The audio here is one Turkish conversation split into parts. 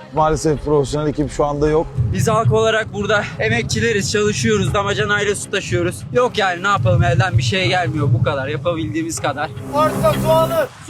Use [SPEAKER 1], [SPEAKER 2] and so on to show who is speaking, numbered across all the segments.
[SPEAKER 1] Maalesef profesyonel ekip şu anda yok.
[SPEAKER 2] Biz halk olarak burada emekçileriz, çalışıyoruz, damacanayla su taşıyoruz. Yok yani ne yapalım, elden bir şey gelmiyor, bu kadar, yapabildiğimiz kadar.
[SPEAKER 1] Varsa su alın. Su!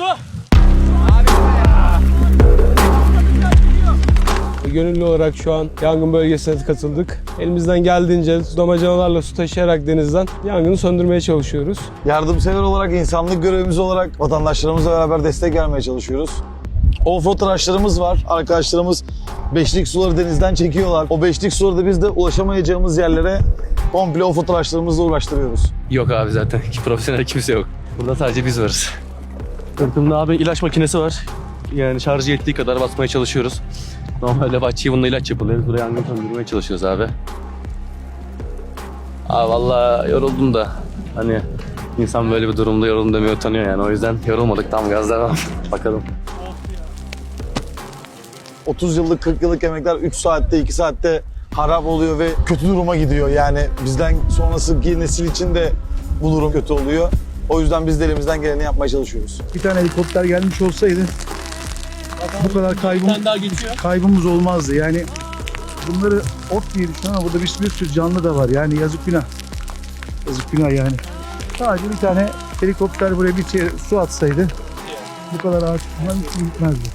[SPEAKER 3] Gönüllü olarak şu an yangın bölgesine katıldık. Elimizden geldiğince damacanalarla su taşıyarak denizden yangını söndürmeye çalışıyoruz.
[SPEAKER 1] Yardımsever olarak, insanlık görevimiz olarak vatandaşlarımızla beraber destek vermeye çalışıyoruz. Offroad araçlarımız var. Arkadaşlarımız beşlik suları denizden çekiyorlar. O beşlik suları da biz de ulaşamayacağımız yerlere komple offroad araçlarımızla ulaştırıyoruz.
[SPEAKER 4] Yok abi zaten profesyonel kimse yok. Burada sadece biz varız. Sırtımda abi ilaç makinesi var. Yani şarjı yettiği kadar basmaya çalışıyoruz. Normalde bahçeye bununla ilaç yapılıyor. Biz buraya yangın söndürmeye çalışıyoruz abi. Abi vallahi yoruldum da hani insan böyle bir durumda yoruldum demeye utanıyor yani. O yüzden yorulmadık, tam gaz devam. Bakalım.
[SPEAKER 1] 30 yıllık, 40 yıllık emekler 3 saatte, 2 saatte harap oluyor ve kötü duruma gidiyor. Yani bizden sonraki nesil için de bu durum kötü oluyor. O yüzden biz de elimizden geleni yapmaya çalışıyoruz.
[SPEAKER 5] Bir tane helikopter gelmiş olsaydı bu kadar kaybımız olmazdı. Yani bunları ot diye düşünüyorum ama burada bir sürü canlı da var. Yani yazık günah. Yazık günah yani. Sadece bir tane helikopter buraya bir su atsaydı bu kadar ağaç bunların için gitmezdi.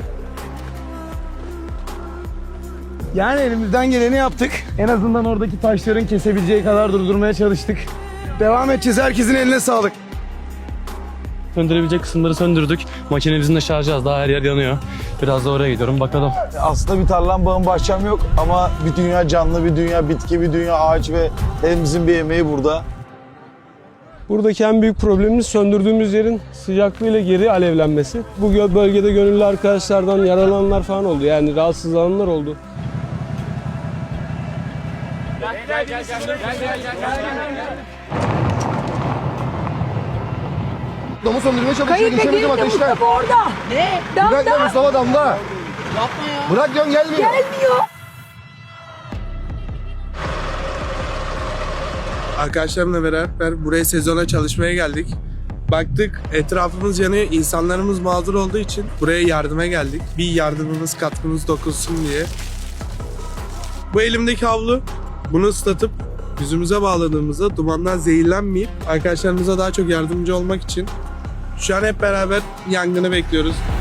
[SPEAKER 3] Yani elimizden geleni yaptık. En azından oradaki taşların kesebileceği kadar durdurmaya çalıştık. Devam edeceğiz. Herkesin eline sağlık.
[SPEAKER 4] Söndürebilecek kısımları söndürdük. Makinemizin de şarjı az, daha her yer yanıyor. Biraz da oraya gidiyorum, bakalım.
[SPEAKER 1] Aslında bir tarlam, bağım, bahçem yok ama bir dünya canlı, bir dünya bitki, bir dünya ağaç ve hepimizin bir emeği burada.
[SPEAKER 3] Buradaki en büyük problemimiz söndürdüğümüz yerin sıcaklığıyla geri alevlenmesi. Bu bölgede gönüllü arkadaşlardan yaralananlar falan oldu. Yani rahatsızlananlar oldu.
[SPEAKER 6] Damı söndürmeye çalışıyor.
[SPEAKER 7] Kayıp
[SPEAKER 6] Geçemedim
[SPEAKER 7] Ege'nin de
[SPEAKER 6] ateşten.
[SPEAKER 7] Mustafa orada. Ne?
[SPEAKER 6] Bırak
[SPEAKER 7] Damda.
[SPEAKER 6] lan Mustafa damda.
[SPEAKER 7] Yapma ya.
[SPEAKER 6] Bırak diyorum, gelmiyor.
[SPEAKER 7] Gelmiyor.
[SPEAKER 8] Arkadaşlarımla beraber buraya sezona çalışmaya geldik. Baktık etrafımız yanıyor, insanlarımız mağdur olduğu için buraya yardıma geldik. Bir yardımımız, katkımız dokunsun diye. Bu elimdeki havlu, bunu ıslatıp yüzümüze bağladığımızda dumandan zehirlenmeyip arkadaşlarımıza daha çok yardımcı olmak için şu an hep beraber yangını bekliyoruz.